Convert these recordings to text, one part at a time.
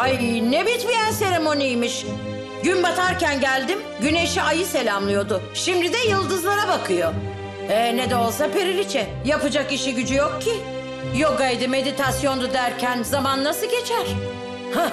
Ay ne bitmeyen seremoniymiş. Gün batarken geldim, güneşi ayı selamlıyordu. Şimdi de yıldızlara bakıyor. Ne de olsa periliçe. Yapacak işi gücü yok ki. Yogaydı, meditasyondu derken zaman nasıl geçer? Hah.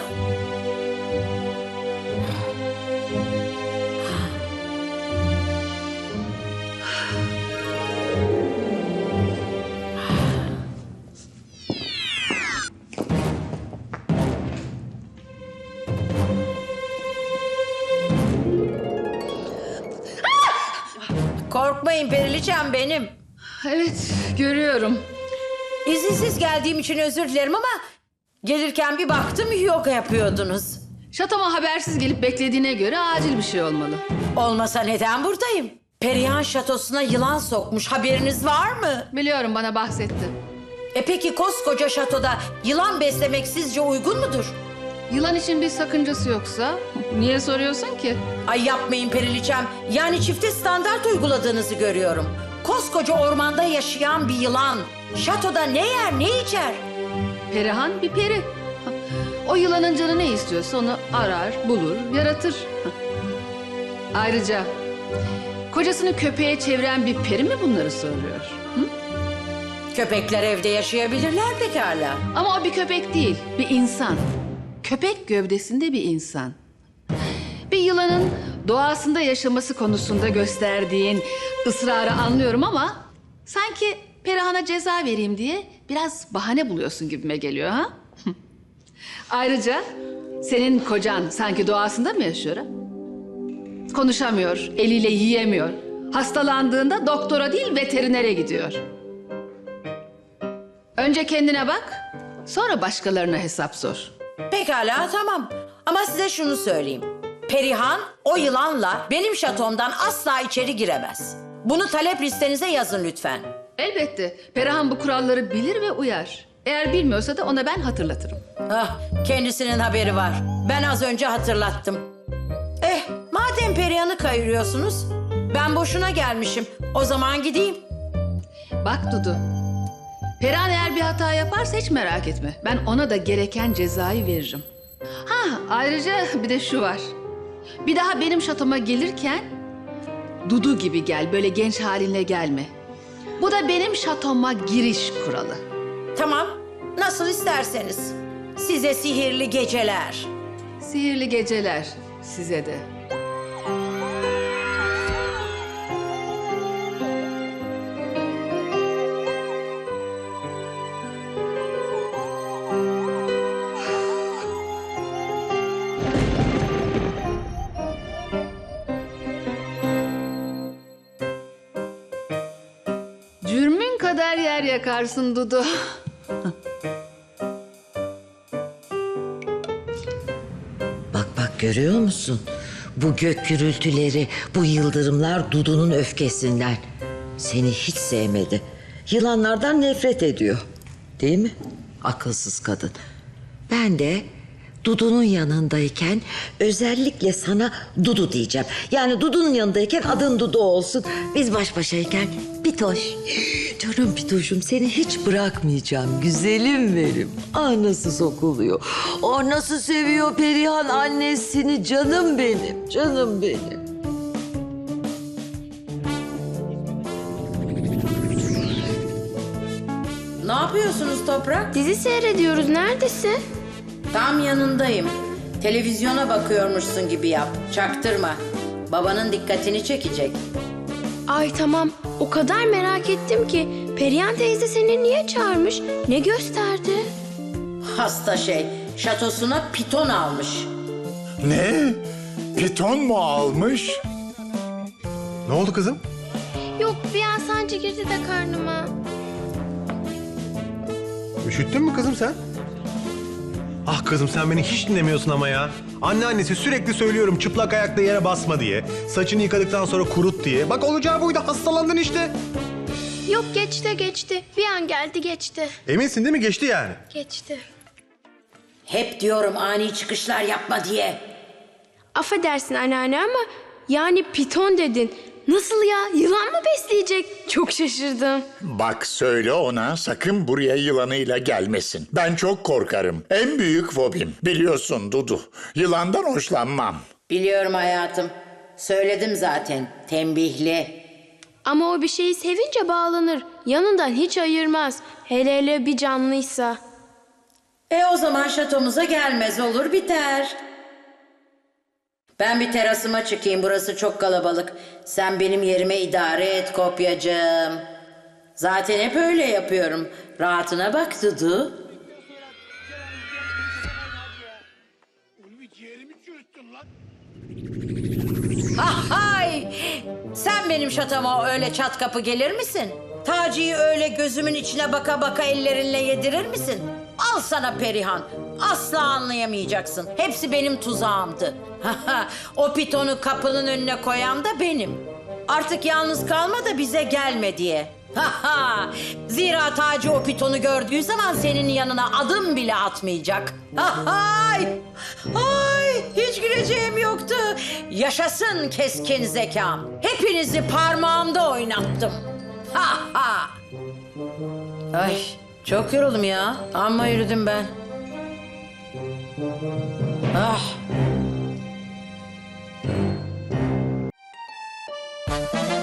Korkmayın periliçem benim. Evet, görüyorum. İzinsiz geldiğim için özür dilerim ama gelirken bir baktım yoga yapıyordunuz. Şatoma habersiz gelip beklediğine göre acil bir şey olmalı. Olmasa neden buradayım? Perihan şatosuna yılan sokmuş, haberiniz var mı? Biliyorum, bana bahsetti. Peki koskoca şatoda yılan beslemek sizce uygun mudur? Yılan için bir sakıncası yoksa niye soruyorsun ki? Ay yapmayın periliçem, yani çifte standart uyguladığınızı görüyorum. Koskoca ormanda yaşayan bir yılan şatoda ne yer ne içer? Perihan bir peri. O yılanın canı ne istiyorsa onu arar, bulur, yaratır. Ayrıca kocasını köpeğe çeviren bir peri mi bunları soruyor? Hı? Köpekler evde yaşayabilirler pekala. Ama o bir köpek değil, bir insan. Köpek gövdesinde bir insan. Bir yılanın doğasında yaşaması konusunda gösterdiğin ısrarı anlıyorum ama sanki Perihan'a ceza vereyim diye biraz bahane buluyorsun gibime geliyor ha? Ayrıca senin kocan sanki doğasında mı yaşıyor ha? Konuşamıyor, eliyle yiyemiyor. Hastalandığında doktora değil veterinere gidiyor. Önce kendine bak, sonra başkalarına hesap sor. Pekala tamam ama size şunu söyleyeyim. Perihan o yılanla benim şatomdan asla içeri giremez. Bunu talep listenize yazın lütfen. Elbette Perihan bu kuralları bilir ve uyar. Eğer bilmiyorsa da ona ben hatırlatırım. Kendisinin haberi var. Ben az önce hatırlattım. Madem Perihan'ı kayırıyorsunuz, ben boşuna gelmişim. O zaman gideyim. Bak Dudu, Perihan eğer bir hata yaparsa hiç merak etme. Ben ona da gereken cezayı veririm. Ayrıca bir de şu var. Bir daha benim şatoma gelirken Dudu gibi gel, böyle genç halinle gelme. Bu da benim şatoma giriş kuralı. Tamam, nasıl isterseniz. Size sihirli geceler. Sihirli geceler size de. Cürmün kadar yer yakarsın Dudu. Bak görüyor musun? Bu gök gürültüleri, bu yıldırımlar Dudu'nun öfkesinden. Seni hiç sevmedi. Yılanlardan nefret ediyor. Değil mi? Akılsız kadın. Ben de Dudu'nun yanındayken özellikle sana Dudu diyeceğim. Yani Dudu'nun yanındayken adın Dudu olsun. Biz baş başayken Bitoş. Canım Bitoş'um, seni hiç bırakmayacağım. Güzelim benim. Nasıl sokuluyor. Nasıl seviyor Perihan annesini. Canım benim. Canım benim. Ne yapıyorsunuz Toprak? Dizi seyrediyoruz. Neredesin? Tam yanındayım. Televizyona bakıyormuşsun gibi yap. Çaktırma. Babanın dikkatini çekecek. Ay tamam. O kadar merak ettim ki. Perihan teyze seni niye çağırmış? Ne gösterdi? Hasta şey. Şatosuna piton almış. Ne? Piton mu almış? Ne oldu kızım? Yok bir an sancı girdi de karnıma. Üşüttün mü kızım sen? Ah kızım sen beni hiç dinlemiyorsun ama ya. Anneannesi sürekli söylüyorum çıplak ayakla yere basma diye. Saçını yıkadıktan sonra kurut diye. Bak olacağı buydu, hastalandın işte. Yok geçti. Bir an geldi geçti. Eminsin değil mi, geçti yani? Geçti. Hep diyorum ani çıkışlar yapma diye. Affedersin anneanne ama yani piton dedin. Nasıl ya? Yılan mı besleyecek? gelecek. Çok şaşırdım. Bak söyle ona sakın buraya yılanıyla gelmesin. Ben çok korkarım. En büyük fobim. Biliyorsun Dudu. Yılandan hoşlanmam. Biliyorum hayatım. Söyledim zaten. Tembihli. Ama o bir şeyi sevince bağlanır. Yanından hiç ayırmaz. Hele hele bir canlıysa. O zaman şatomuza gelmez olur biter. Ben bir terasıma çıkayım. Burası çok kalabalık. Sen benim yerime idare et kopyacığım. Zaten hep öyle yapıyorum. Rahatına bak Dudu. Hay! Sen benim şatoma öyle çat kapı gelir misin? Taci'yi öyle gözümün içine baka baka ellerinle yedirir misin? Al sana Perihan. Asla anlayamayacaksın. Hepsi benim tuzağımdı. O pitonu kapının önüne koyan da benim. Artık yalnız kalma da bize gelme diye. Zira Taci o pitonu gördüğü zaman senin yanına adım bile atmayacak. Ay, hiç güleceğim yoktu. Yaşasın keskin zekam. Hepinizi parmağımda oynattım. Ay, çok yoruldum ya. Amma yürüdüm ben. Ah.